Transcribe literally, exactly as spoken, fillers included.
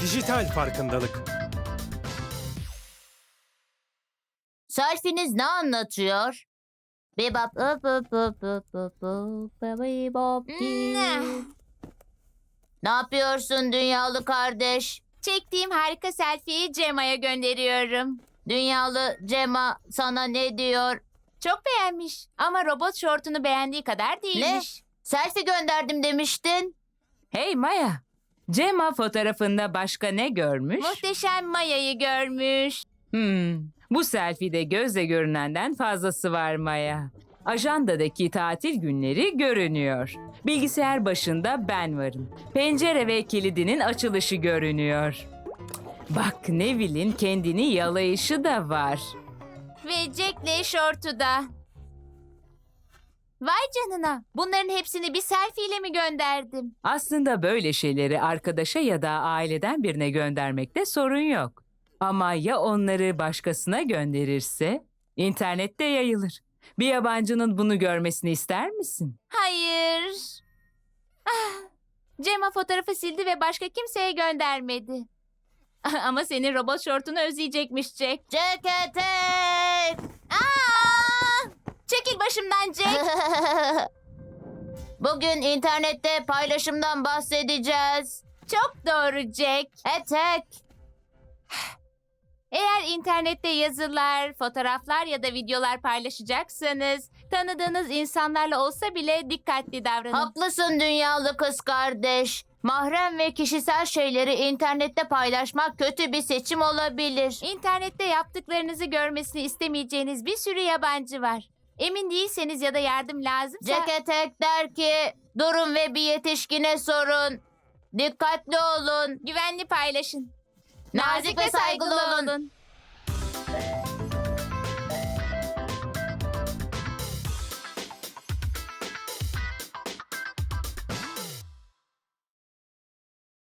Dijital farkındalık. Selfie'niz ne anlatıyor? Bebop up up up up up up bebop Hmm. Ne yapıyorsun dünyalı kardeş? Çektiğim harika selfie'yi Cema'ya gönderiyorum. Dünyalı Cema sana ne diyor? Çok beğenmiş ama robot şortunu beğendiği kadar değilmiş. Selfie gönderdim demiştin. Hey Maya, Cema fotoğrafında başka ne görmüş? Muhteşem Maya'yı görmüş. Hmm, bu selfie'de gözle görünenden fazlası var Maya. Ajandadaki tatil günleri görünüyor. Bilgisayar başında ben varım. Pencere ve kilidinin açılışı görünüyor. Bak Neville'in kendini yalayışı da var. Ve Jack'le şortu da. Vay canına. Bunların hepsini bir selfie ile mi gönderdim? Aslında böyle şeyleri arkadaşa ya da aileden birine göndermekte sorun yok. Ama ya onları başkasına gönderirse internette yayılır. Bir yabancının bunu görmesini ister misin? Hayır. Ah, Cema fotoğrafı sildi ve başka kimseye göndermedi. Ama senin robot şortunu özleyecekmiş Jack. Cekete! Aa! Çekil başımdan Jack. Bugün internette paylaşımdan bahsedeceğiz. Çok doğru Jack. Etek. Eğer internette yazılar, fotoğraflar ya da videolar paylaşacaksanız tanıdığınız insanlarla olsa bile dikkatli davranın. Haklısın dünyalı kız kardeş. Mahrem ve kişisel şeyleri internette paylaşmak kötü bir seçim olabilir. İnternette yaptıklarınızı görmesini istemeyeceğiniz bir sürü yabancı var. Emin değilseniz ya da yardım lazımsa... Ceketek der ki durun ve bir yetişkine sorun. Dikkatli olun. Güvenli paylaşın. Nazik ve saygılı olun.